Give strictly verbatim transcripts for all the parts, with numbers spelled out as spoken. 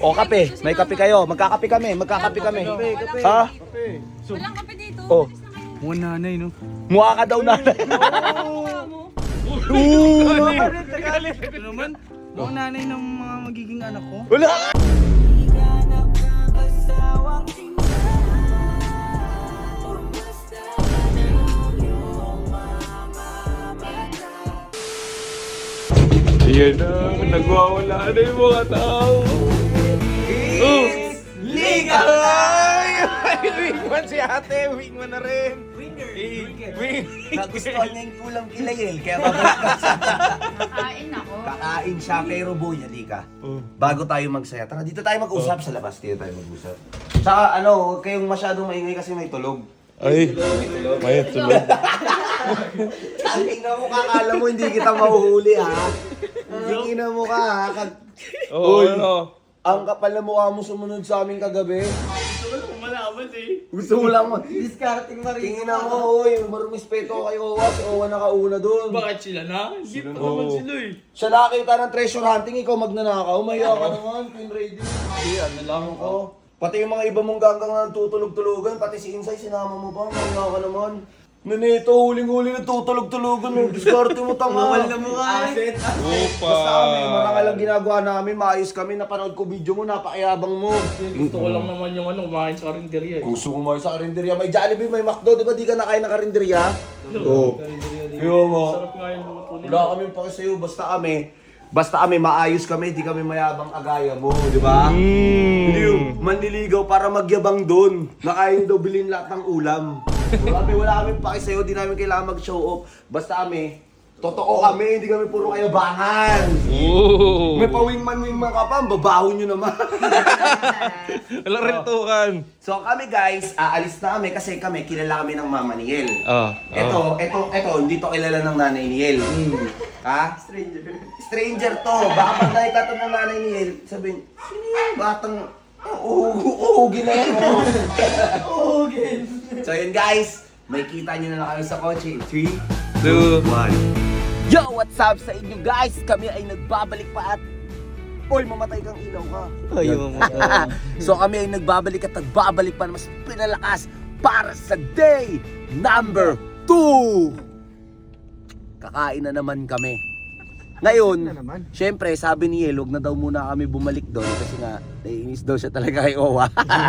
O kape, may kape kayo. Magkakape kami, magkakape kami. Ha? Walang kape dito. Oh. Alis na kayo. Mga nanay, no? Mukha ka daw nanay. Ito naman, mga nanay ng mga magiging anak ko. Wala! Ayan na, nagwawala na yung mga tao. Oh! Liga! Ay! Wingman si ate, wingman na rin. Winger! Wing! Nagustuhan niya yung kulang kilayel, kaya babalik ka sa... Nakain ako. Kakain siya, pero boy, halika. Oh. Bago tayo magsaya, tara dito tayo mag-usap sa labas, dito tayo mag-usap. Saka ano, huwag kayong masyadong maingay kasi may tulog. Ay, may tulog. Tangina mo, kakala mo hindi kita mahuhuli ha. Tangina mo ka ha. Kag... Oo, ano? Ang kapal na mukha mo sumunod sa amin kagabi. Gusto ko lang malaman eh. Gusto mo lang mo. Discarding na rin. Tingin na mo, oy, marumispeto kay Owa. Si Owa nakauna doon. Bakit sila na? Hindi pa naman sila eh. Siya nakakita ng treasure hunting, ikaw magnanakaw. Maya ka naman, Queen Ready. Hindi, ano lang ako. Oh, pati yung mga iba mong ganggang na tutulog-tulogan, pati si Insay, sinama mo pa, maya ka naman. Nanito, huling-huli na tutulog-tulogan, no? Discarte mo tanga. Bawal na mukha eh. Opa! Basta kami, marangal ang ginagawa namin, maayos kami, napanood ko video mo, napakayabang mo. Gusto ko lang naman yung ano, kumain sa karinderya eh. Gusto ko mo sa karinderya, may Jollibee, may McDo, di ba di ka nakain ng karinderya? Oo. Yo mo. Sarap nga yung luto nila. Wala kami pa sa'yo, basta kami, basta kami maayos kami, di kami mayabang agaya mo, di ba? Hindi yung manliligaw para magyabang doon. Nakain daw bilhin lahat ng ulam. Wala kami, wala kami paki sa'yo, di namin kailangan mag-show off. Basta kami, totoo kami, hindi kami puro kayabangan. Oo! May pa-wingman-wingman ka pa, ang babaho nyo naman. Walang rentukan. So kami guys, aalis na kami kasi kami, kilala kami ng mama ni Yel. Ah, Ito, ito, ito, hindi to kilala ng nanay ni Yel. Ha? Stranger. Stranger to. Baka pag nakita to ng nanay ni Yel, sabihin, sino yung batang uugin na yan? Uugin. So yun guys, may kita nyo na lang kami sa kotse. three, two, one. Yo, what's up sa inyo guys? Kami ay nagbabalik pa at... Oy, mamatay kang ilaw ka. Ay, So kami ay nagbabalik at nagbabalik pa na mas pinalakas para sa day number two. Kakain na naman kami. Ngayon, syempre sabi ni Yel, huwag na daw muna kami bumalik doon kasi nga naiinis daw siya talaga kay Owa.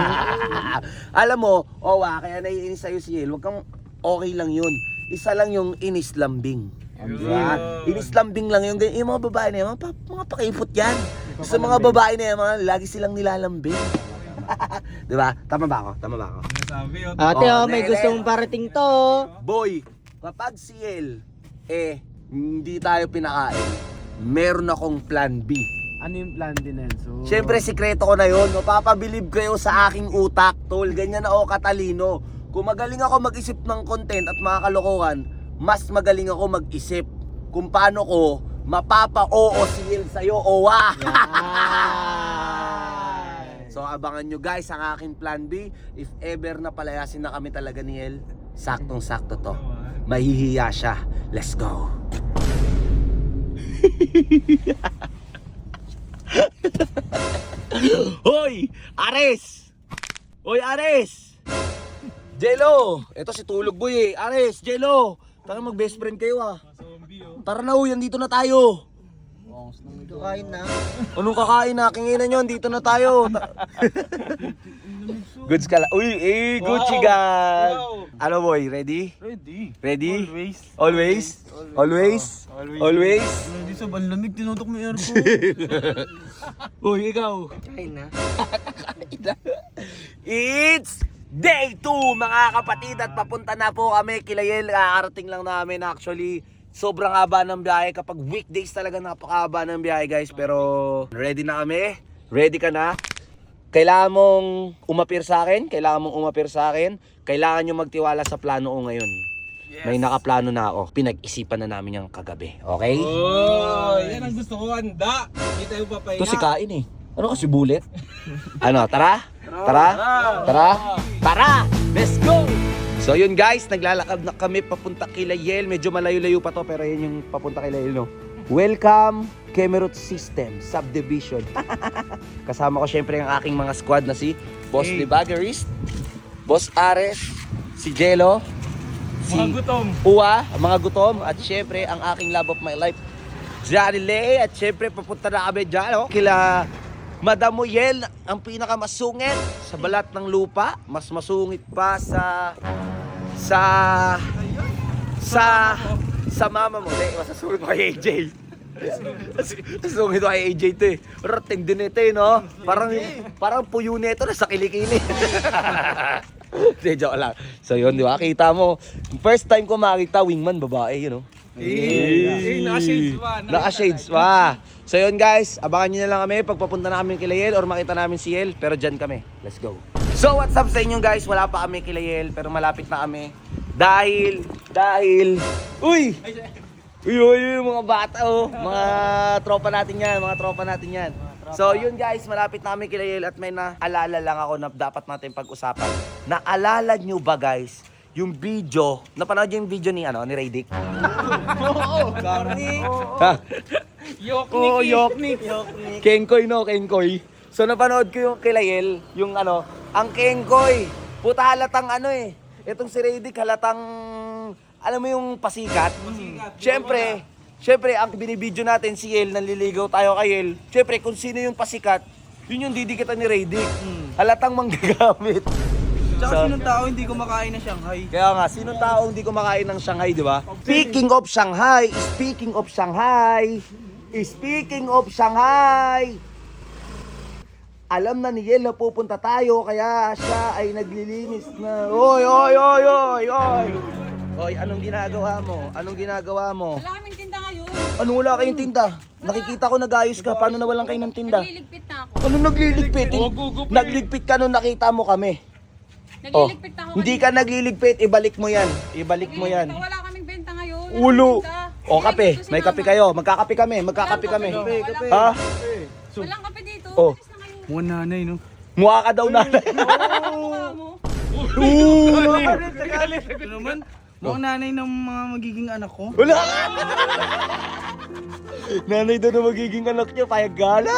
Alam mo, Owa, kaya naiinis sa'yo si Yel, huwag kang okay lang yun. Isa lang yung inis lambing. Diba? Inis lambing lang yung, yung mga babae na yan, mga, pa- mga pakipot yan. Sa mga babae na yan, mga, lagi silang nilalambing. Diba? Tama ba ako? Tama ba ako? Ate, Oh, oh, may Nele. gustong parating to. Boy, kapag si Yel, eh, hindi tayo pinakain, meron akong plan B. Ano yung plan din, Enzo? Siyempre, sikreto ko na yun. Mapapabilib kayo sa aking utak, tol. Ganyan ako katalino. Kung magaling ako mag-isip ng content at mga kalokohan, mas magaling ako mag-isip kung paano ko mapapa-oo si Yel sa'yo, owa. So, abangan nyo guys ang aking plan B. If ever na palayasin na kami talaga ni Yel, saktong-sakto to. Mahihiya siya. Let's go. Hoy! Ares! Hoy, Ares! Jello! Ito si Tulog Boy eh. Ares, Jello! Tara mag best friend kayo ah. Tara na uy, andito na tayo. Kain na. Anong kakain na? Kinginan nyo, andito na tayo. Ta- Goods ka lang. Uy, eh, Gucci gang. Ano boy, ready? Ready. Ready? Always. Always? Always? Always? Hindi sa banlamig, tinutok mo yung aircon. Uy, ikaw. Kain na. It's day two mga kapatid at papunta na po kami kila Yel. Kakarating lang namin actually. Sobrang haba ng biyahe. Kapag weekdays talaga napakahaba ng biyahe guys. Pero ready na kami. Ready ka na? Kailangan mong umapir sa akin. Kailangan mong umapir sa akin. Kailangan nyo magtiwala sa plano ko ngayon. May nakaplano na ako. Pinag-isipan na namin yung kagabi. Okay? Oh, yan ang gusto ko, handa. Hindi tayo papahinga. Ito si Kain eh. Ano kasi bullet? Ano, tara? Tara? Tara? Tara! Let's go! So yun guys, naglalakad na kami papunta kila Yel. Medyo malayo-layo pa to pero yun yung papunta kila Yel, no? Welcome, Kemerut System Subdivision. Kasama ko syempre ang aking mga squad na si Boss Hey. Libagarist, Boss Ares, si Jello, si Mga gutom. Uwa, ang mga gutom, at syempre ang aking love of my life, Johnny Lay. At syempre papunta na kami dyan, oh, kila Madam Moyel, ang pinakamasungit sa balat ng lupa. Mas masungit pa sa sa sa sa mama mo. Hindi, masasungit mo kay A J. Masasungit mo kay A J to eh. Rating din ito eh, no? Parang, parang puyo nito na sa kilikili. Hindi, joke lang. So yun, di ba? Kita mo, first time ko makita wingman babae, you know? Eh, naka-shades pa. Naka-shades pa. So yun guys, abangan nyo na lang kami pag papunta na kami kila Yel or makita namin si Yel. Pero dyan kami. Let's go. So what's up sa inyo guys? Wala pa kami kila Yel pero malapit na kami. Dahil, dahil, uy! Uy, uy, uy, mga bata oh. Mga tropa natin yan, mga tropa natin yan. So yun guys, malapit na kami kila Yel at may naalala lang ako na dapat natin pag-usapan. Naalala nyo ba guys, yung video, napanood yung video ni ano, ni Raydick? Oo, Garni. Ha? Yoknik. Oo, Yoknik. Kenkoy no, Kenkoy. So napanood ko yung kay Layel, yung ano, ang Kenkoy. Puta halatang ano eh. Itong si Raydick halatang, alam mo yung pasikat? Siyempre, siyempre ang binibidyo natin si Yel, nanliligaw tayo kay Yel. Siyempre kung sino yung pasikat, yun yung didikitan ni Raydick. Halatang manggagamit. Tsaka sinong tao hindi kumakain ng Shanghai? Kaya nga, sinong tao hindi kumakain ng Shanghai, di ba? Speaking of Shanghai, speaking of Shanghai, speaking of Shanghai, alam na ni Yel na pupunta tayo, kaya siya ay naglilinis na. Oy, oy, oy, oy, oy! Oy, anong ginagawa mo? Anong ginagawa mo? Wala kaming tinda ngayon. Ano wala kayong tinda? Nakikita ko nag-ayos ka, paano nawalan kayo ng tinda? Nagliligpit na ako. Ano nagliligpit? Nagligpit ka nung nakita mo kami. Oh, Nagliligpit na ako. hindi ka nagliligpit, ibalik mo yan. Ibalik mo yan. Nagliligpit ako, wala kaming benta ngayon. Wala Ulo. kaming tinda. O kape, Nililigpit ko si may kape mama. kayo. Magkakape kami, magkakape kami. Walang kape. Ha? Walang kape dito. Oh. Alis na kayo. Mga nanay, no? Mukha ka daw nanay. Mukha mo. Ito naman, mga nanay ng mga magiging anak ko. Wala! Nanay daw na magiging anak niya, payag gala.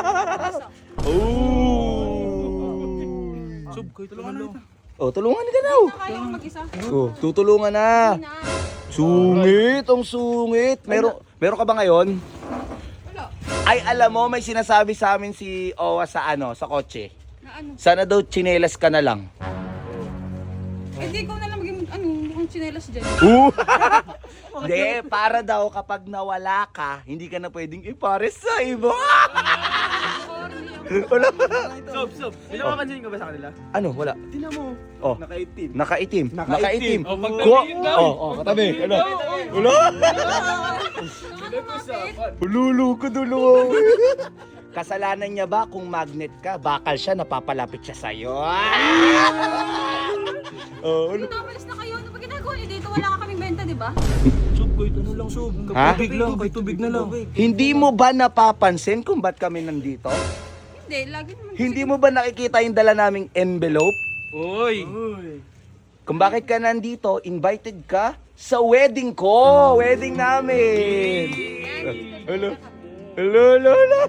Oh. Sub, kayo tulungan na ito. Oh, tulungan ka daw. Kaya ko mag-isa. Oh, tutulungan na. Na. Sungit, ang sungit. Meron, meron ka ba ngayon? Wala. Ay, alam mo, may sinasabi sa amin si Owa sa ano, sa kotse. Na ano? Sana daw tsinelas ka na lang. Eh di ko na lang maging ano, mukhang tsinelas dyan. Uh! Hindi, para daw kapag nawala ka, hindi ka na pwedeng ipares sa iba. Wala. Sub, sub. Hindi napapansin ko ba sa kanila? Ano, wala. Tingnan mo. Oh, Nakaitim. nakaitim. Nakaitim. Oh, pag Kuha- tumingin daw. Oh, oh, katabi. Ano? Wala. Lulu ko dulo. Kasalanan niya ba kung magnet ka? Bakal siya, napapalapit siya sa'yo. Oh, ano? Napalis na kayo. Ano ba ginagawa niyo dito? Wala ka kaming benta, di ba? Sub, kayo ano lang, sub. Ha? Tubig lang, kayo tubig na lang. Hindi mo ba napapansin kung ba't kami nandito? Hindi, lagi naman. Hindi mo ba nakikita yung dala naming envelope? Uy. Kung bakit ka nandito, invited ka sa wedding ko. Wedding namin. Hello. Hello, hello, hello.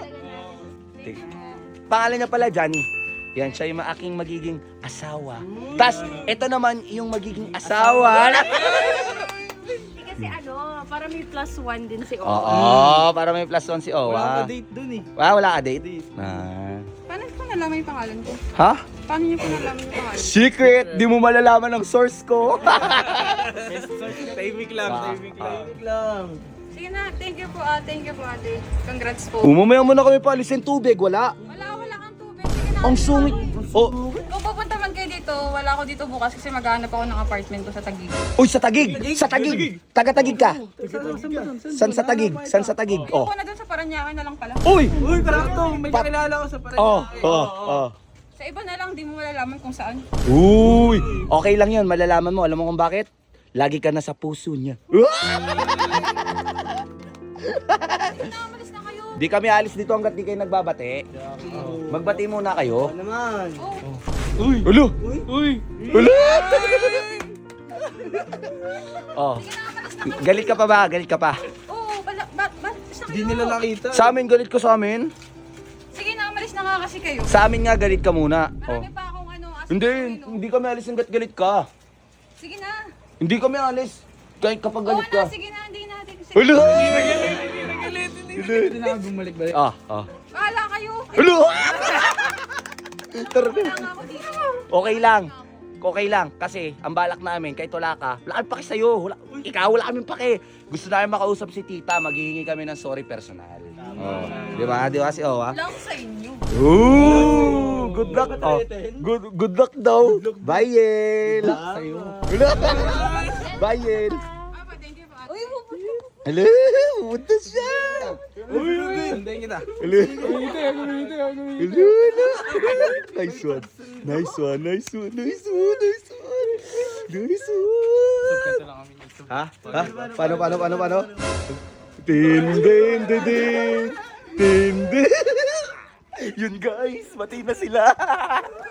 Pangalan niya pala, Johnny. Yan, siya yung aking magiging asawa. Tas, ito naman yung magiging asawa. Kasi ano, para may plus one din si Owa. Oo, para may plus one si Wala Owa. ka date dun eh. Ah, wala ka date? Ah. Paano ko nalaman yung pangalan ko? Ha? Paano niyo po nalaman yung pangalan? Secret! Di mo malalaman ang source ko. Tahimik lang, Ah, tahimik ah. lang. Tahimik lang. Sige na, thank you po ah, thank you po ate. Congrats po. Umamaya mo na kami paalisin tubig, wala. Wala, wala kang tubig. Sige na. Ang sungit. Oh, Kung pupunta man kayo dito, wala ako dito bukas kasi maghahanap ako ng apartment ko sa Taguig. uy, sa Tagig! Sa Tagig! Taga-Tagig ka! San sa Tagig? San sa Tagig? Oh. Ako na dun sa Parañaque na lang pala. Uy! Uy, karakto, may Pa- kakilala ko sa Parañaque. Oh, oh, oh. Sa iba na lang, di mo malalaman kung saan. Uy! Okay lang yun, malalaman mo. Alam mo kung bakit? Lagi ka na sa puso niya. Sige na, umalis na kayo. Di kami alis dito hanggat di kayo nagbabate. Magbati muna kayo. Naman. Oh, Uy. Ulo! Uy. Ulo! Oh. sige na, umalis na kayo. Galit ka pa ba? Galit ka pa? Oo, bala, ba, ba, alis na kayo. Hindi nila nakita. Sa amin, galit ko sa amin. Sige na, umalis na nga kasi kayo. Sa amin nga galit ka muna. Oh. Marami pa akong ano, aso Hindi, gawin, oh. hindi kami alis hanggat galit ka. Sige na. Hindi kami alis. Kahit kapag Oo galit na, ka. sige na, hindi natin. Sige. Hello! Hindi na ako bumalik-balik. Ah, ah. Bahala kayo. Hello! Tara Wala nga ako dito. Okay lang. Okay lang. Kasi ang balak namin, kahit wala ka, wala kami pake sa'yo. Wala, ikaw, wala kami pake. Gusto namin makausap si tita, maghihingi kami ng sorry personal. Oh. Di ba? Di ba si Owa? Wala ako sa inyo. Ooh! Good luck. Oh. Good, good luck daw. Bye, Yel. Bye, Yel. Ah, pa, thank you pa. Uy, pupunta. Hello! Pumunta siya! Sundayin kita. Hello! Hello! Hello! Nice one! Nice one! Nice one! Nice one! Nice one! Nice one! lang kami dito. Ha? Ha? Paano, paano, paano, paano? Din, din, din, din! Din, din! Yun guys! Mati na sila!